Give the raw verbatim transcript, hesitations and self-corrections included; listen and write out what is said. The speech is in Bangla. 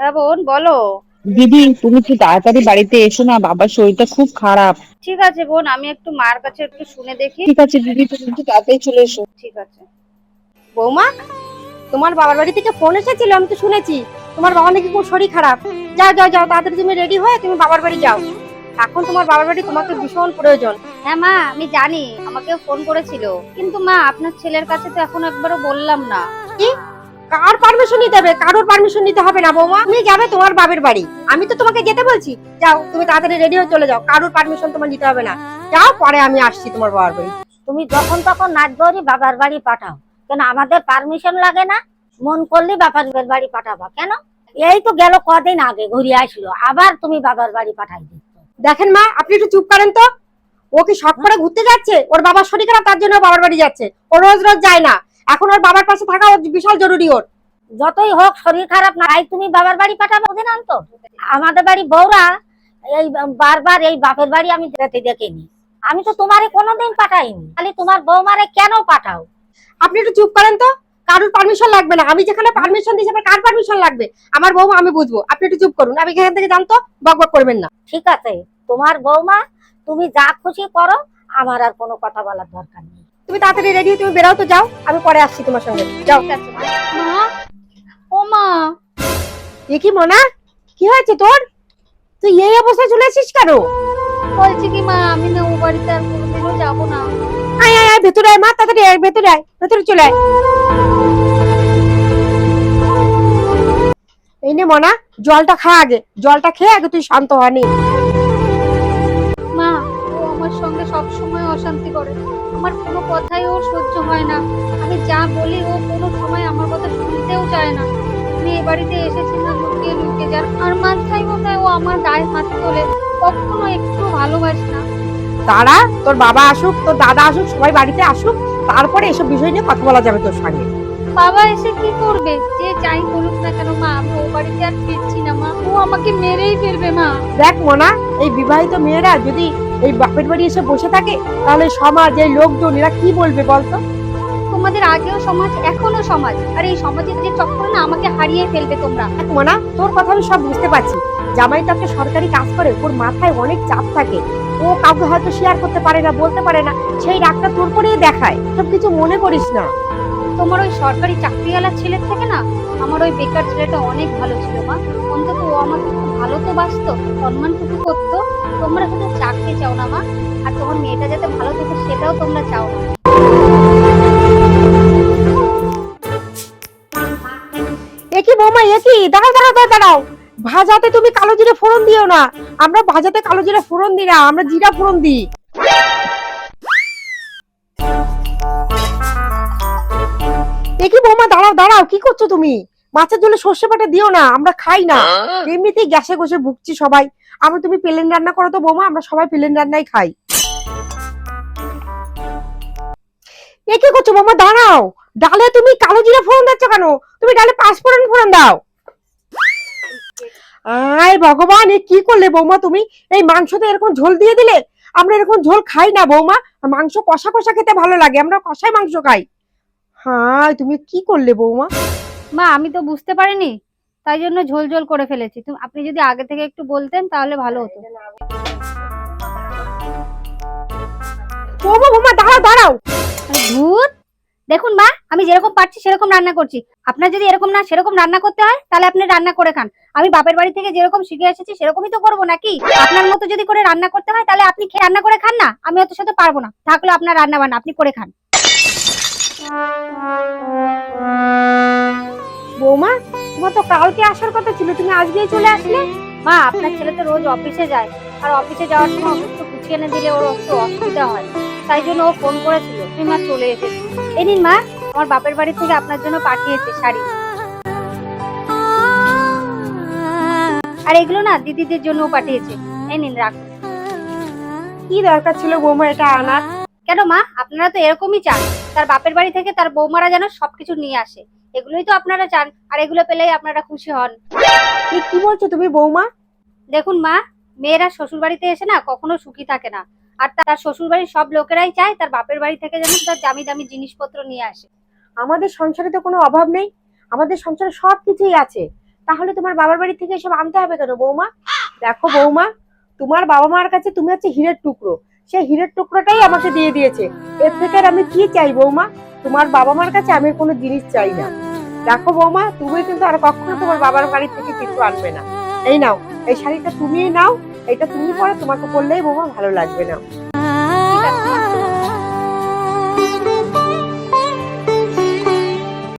হ্যাঁ বোন বলো। দিদি তুমি কি তাড়াতাড়ি বাড়িতে এসো না, বাবার শরীরটা খুব খারাপ। ঠিক আছে বোন, আমি একটু মার কাছে একটু শুনে দেখি। ঠিক আছে দিদি, তুমি একটু তাড়াতাড়ি চলে এসো। ঠিক আছে। বৌমা, তোমার বাবার বাড়ি থেকে ফোন এসেছিল, আমি তো শুনেছি তোমার বাবা নাকি খুব শরীর খারাপ। যাও যাও যাও, তাড়াতাড়ি তুমি রেডি হয়ে তুমি বাবার বাড়ি যাও। এখন তোমার বাবার বাড়ি তোমাকে ভীষণ প্রয়োজন। হ্যাঁ মা, আমি জানি আমাকেও ফোন করেছিল, কিন্তু মা আপনার ছেলের কাছে তো এখন একবারও বললাম না। কি? কার পারমিশন নিতে হবে? কারোর পারমিশন নিতে হবে না বৌমা, তুমি যাবে তোমার বাবার বাড়ি। আমি তো তোমাকে যেতে বলছি। যাও তুমি তাড়াতাড়ি রেডি হয়ে চলে যাও, কারোর পারমিশন তোমার নিতে হবে না। যাও, পরে আমি আসছি তোমার বাবার বাড়ি। তুমি যখন তখন নাচবরি বাবার বাড়ি পাঠাও কেন? আমাদের পারমিশন লাগে না? মন করলে বাবার বাড়ি পাঠাবা কেন? এই তো গেল কদিন আগে ঘুরে আসলো, আবার তুমি বাবার বাড়ি পাঠাই দিচ্ছ। দেখেন মা, আপনি একটু চুপ করেন তো। ও কি শখ করে ঘুরতে যাচ্ছে? ওর বাবার শরীর খারাপ, তার জন্য বাবার বাড়ি যাচ্ছে। ও রোজ রোজ যায় না। এখন ওর বাবার পাশে থাকা ওর বিশাল জরুরি। ওর যতই হোক শরীর খারাপ না, এই তুমি বাবার বাড়ি পাঠাবো অধিনান্ত? আমাদের বাড়ি বউরা এই বারবার এই বাপের বাড়ি আমি যেতে দেখিনি। আমি তো তোমারে কোনোদিন পাঠাইনি, খালি তোমার বৌমারে কেন পাঠাও? আপনি একটু চুপ করেন তো। কারোর পারমিশন লাগবে না। আমি যেখানে পারমিশন দিয়েছি, আবার কার পারমিশন লাগবে? আমার বৌমা, আমি বুঝবো। আপনি একটু চুপ করুন, আমি এখান থেকে জানতো বক বক করবেন না। ঠিক আছে, তোমার বৌমা, তুমি যা খুশি করো, আমার আর কোনো কথা বলার দরকার নেই। তুমি তাড়াতাড়ি রেডি, তুমি বেরাও তো, যাও, আমি পরে আসছি তোমার সঙ্গে। যাও। ঠিক আছে মা। ও মা, এ কি মনা, কি হয়েছে তোর? তুই এই অবস্থায় চলে আসিস কেন? বলছি কি মা, আমি না ও বাড়িতে আর কোনোদিনও যাবো না। আয় আয় আয়, ভেতরে আয় মা, তাড়াতাড়ি আয়, ভেতরে আয়, ভেতরে চলে আয়। এই নে মনা, জলটা খা আগে। জলটা খেয়ে আগে তুই শান্ত হনি। মা, ও আমার সঙ্গে সব সময় অশান্তি করে। আমার কোনো কথাই ওর সহ্য হয় না। আমি যা বলি ও কোনো সময় আমার কথা শুনতেও চায় না। আমি এ বাড়িতে এসেছি না লুকিয়ে লুকিয়ে, যার আর মাঝখানে মনে হয় ও আমার গায়ে হাত তোলে। কখনো একটু ভালোবাসে না। তারা, তোর বাবা আসুক, তোর দাদা আসুক, সবাই বাড়িতে আসুক, তারপরে এসব বিষয় নিয়ে কথা বলা যাবে তোর সঙ্গে। বাবা এসে কি করবে? যে যাই বলুক না কেন মা, আমি ও বাড়িতে আর ফিরছি না মা। ও আমাকে মেরেই ফেলবে মা। দেখ মনা, এই বিবাহিত মেয়েরা যদি এই বাপের বাড়ি এসে বসে থাকে, তাহলে সমাজ, এই লোকজন, এরা কি বলবে বলতো? তোমাদের আগেও সমাজ, এখনো সমাজ, আর এই সমাজের যে চক্কর না, আমাকে হারিয়ে ফেলবে তোমরা। দেখ মনা, তোর কথা আমি সব বুঝতে পারছি। জামাই তো একটা সরকারি কাজ করে, ওর মাথায় অনেক চাপ থাকে। ও কাউকে হয়তো শেয়ার করতে পারে না, বলতে পারে না, সেই রাগটা তোর করেই দেখায়। সব কিছু মনে করিস না। তোমার ওই সরকারি চাকরিওয়ালা ছেলের থেকে না আমার ওই বেকার ছেলেটা অনেক ভালো ছিল মা। অন্তত ও আমাকে খুব ভালো তো বাসতো, সম্মানটুকু করতো। তোমরা শুধু চাকরি চাও না মা, আর তোমার মেয়েটা যাতে ভালো থাকে সেটাও তোমরা চাও না। একই বৌমা, একই, দাঁড়াও দাঁড়াও দাঁড়াও দাঁড়াও। ভাজাতে তুমি কালো জিরে ফোড়ন দিও না। আমরা ভাজাতে কালো জিরে ফোড়ন দিই না, আমরা জিরা ফোড়ন দিই। একই বৌমা, দাঁড়াও দাঁড়াও, কি করছো তুমি? মাছের ঝোলে সর্ষে বাটা দিও না, আমরা খাই না। এমনিতেই গ্যাসে গোসে ভুগছি সবাই। আমরা, তুমি প্লেন রান্না করো তো বৌমা, আমরা সবাই প্লেন রান্নাই খাই। এ কি করছো বৌমা? দাঁড়াও। ডালে তুমি কালো জিরা ফোড়ন দিচ্ছ কেন? তুমি ডালে পাঁচফোড়ন ফোড়ন দাও। আয় ভগবান, এ কি করলে বৌমা তুমি? এই মাংসতে এরকম ঝোল দিয়ে দিলে। আমরা এরকম ঝোল খাই না বৌমা। মাংস কষা কষা খেতে ভালো লাগে, আমরা কষাই মাংস খাই। হ্যাঁ, তুমি কি করলে বৌমা? মা, আমি তো বুঝতে পারিনি, তাই জন্য ঝোল ঝোল করে ফেলেছি। তুমি আপনি যদি আগে থেকে একটু বলতেন তাহলে ভালো হতো। বৌমা বৌমা, দাঁড়াও দাঁড়াও। আরে ধুর, দেখুন মা, আমি যেরকম পারছি সেরকম রান্না করছি। আপনার যদি এরকম না সেরকম রান্না করতে হয়, তাহলে আপনি রান্না করে খান। আমি বাপের বাড়ি থেকে যেরকম শিখে এসেছি সেরকমই তো করবো নাকি? আপনার মতো যদি করে রান্না করতে হয়, তাহলে আপনি খেয়ে রান্না করে খান না। আমি অত সাথে পারবো না, থাকলে আপনার রান্না বান্না আপনি করে খান। বৌমা, তোমার তো কালকে আসার কথা ছিল, তুমি আজকেই চলে আসলে। মা, আপনার ছেলে তো রোজ অফিসে যায়, আর অফিসে যাওয়ার সময় একটু গুছিয়ে এনে দিলে ওর একটু অসুবিধা হয়। তাই জন্য ও ফোন করেছিল, তুমি মা চলে এসেছি। এই নিন মা, আমার বাপের বাড়ি থেকে আপনার জন্য পাঠিয়েছে শাড়ি। আর এগুলো না দিদিদের জন্যও পাঠিয়েছে। এই নিন, রাখুন। কি দরকার ছিল বৌমা এটা আনার? কেন মা, আপনারা তো এরকমই চান, তার বাপের বাড়ি থেকে তার বৌমারা যেন সবকিছু নিয়ে আসে। এগুলোই তো আপনারা চান, আর এগুলো পেলেই আপনারা খুশি হন। এ কি বলছো তুমি বৌমা? দেখুন মা, মেয়েরা শ্বশুর বাড়িতে এসে না কখনো সুখী থাকে না। আর তার শ্বশুর বাড়ির সব লোকেরাই চায় তার বাপের বাড়ি থেকে যেন তার দামি দামি জিনিসপত্র নিয়ে আসে। আমাদের সংসারে তো কোনো অভাব নেই, আমাদের সংসারে সব কিছুই আছে। তাহলে তোমার বাবার বাড়ি থেকে এসব আনতে হবে কেন বৌমা? দেখো বৌমা, তোমার বাবা মার কাছে তুমি হচ্ছে হীরের টুকরো, সেই হীরের টুকরোটাই আমাকে দিয়ে দিয়েছে, এর থেকে আর আমি কি চাই বৌমা? তোমার বাবা মার কাছে আমি কোনো জিনিস চাই না। দেখো বৌমা, তুমি কিন্তু আর কখনো তোমার বাবার বাড়ি থেকে কিছু আনবে না। এই নাও, এই শাড়িটা তুমিই নাও, এটা তুমি পরে তোমাকে পরলেই বৌমা ভালো লাগবে না। ঠিক আছে মা।